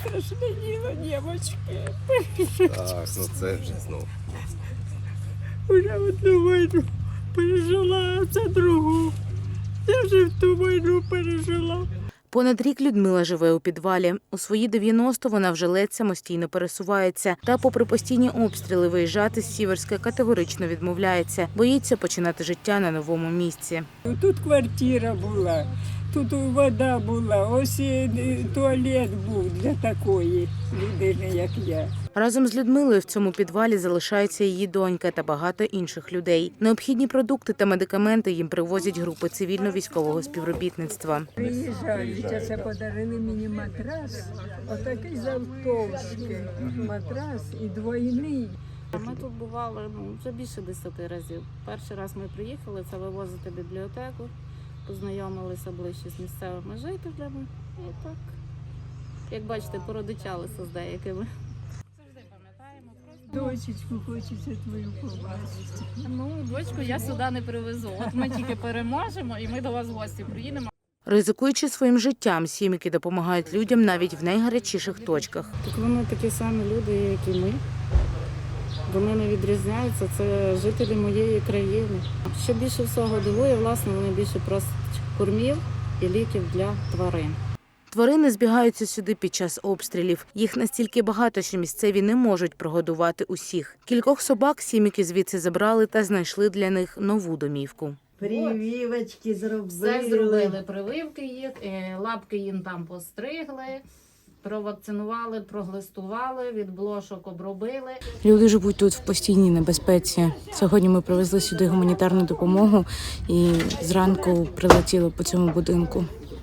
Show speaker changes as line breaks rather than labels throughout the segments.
страшне діло, дівчатки.
Так, ну це вже знову.
Уже одну війну пережила, а це другу. Я вже в ту війну пережила.
Понад рік Людмила живе у підвалі. У свої 90 вона вже ледь самостійно пересувається. Та попри постійні обстріли виїжджати з Сіверська категорично відмовляється. Боїться починати життя на новому місці.
Тут квартира була, тут вода була, ось і туалет був для такої людини, як я.
Разом з Людмилою в цьому підвалі залишаються її донька та багато інших людей. Необхідні продукти та медикаменти їм привозять групи цивільно-військового співробітництва.
Приїжджають, а це подарили мені матрас, отакий завтовшки, матрас і двойний.
Ми тут бували вже більше 10 разів. Перший раз ми приїхали, це вивозити бібліотеку, познайомилися ближче з місцевими жителями. І так, як бачите, породичалися з деякими. Завжди пам'ятаємо.
Дочечку хочеться твою побачити.
Ну, дочку я сюди не привезу. От ми тільки переможемо і ми до вас в гості приїдемо.
Ризикуючи своїм життям, сім'ї допомагають людям навіть в найгарячіших точках.
Так вони такі самі люди, як і ми. Вони не відрізняються, це жителі моєї країни. Що більше всього дивує, власне, вони більше просять кормів і ліків для тварин.
Тварини збігаються сюди під час обстрілів. Їх настільки багато, що місцеві не можуть прогодувати усіх. Кількох собак сім'ї звідси забрали та знайшли для них нову домівку.
Прививочки зробили.
Все зробили, прививки їх, лапки їм там постригли, провакцинували, проглистували, від блошок обробили.
Люди живуть тут в постійній небезпеці. Сьогодні ми привезли сюди гуманітарну допомогу і зранку прилетіло по цьому будинку.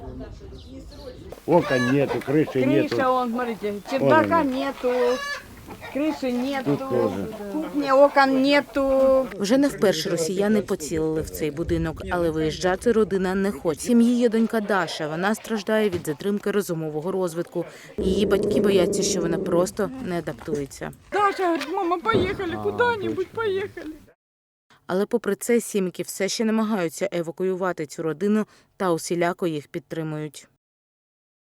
Окон нету, крыши нету.
Крыша, вон, смотрите, чердака нету, крыши нету, кухни, окон нету.
Вже не вперше росіяни поцілили в цей будинок, але виїжджати родина не хоче. В сім'ї є донька Даша. Вона страждає від затримки розумового розвитку. Її батьки бояться, що вона просто не адаптується.
Даша говорить, мама, поїхали, куди-небудь поїхали.
Але попри це сім'ї все ще намагаються евакуювати цю родину та усіляко їх підтримують.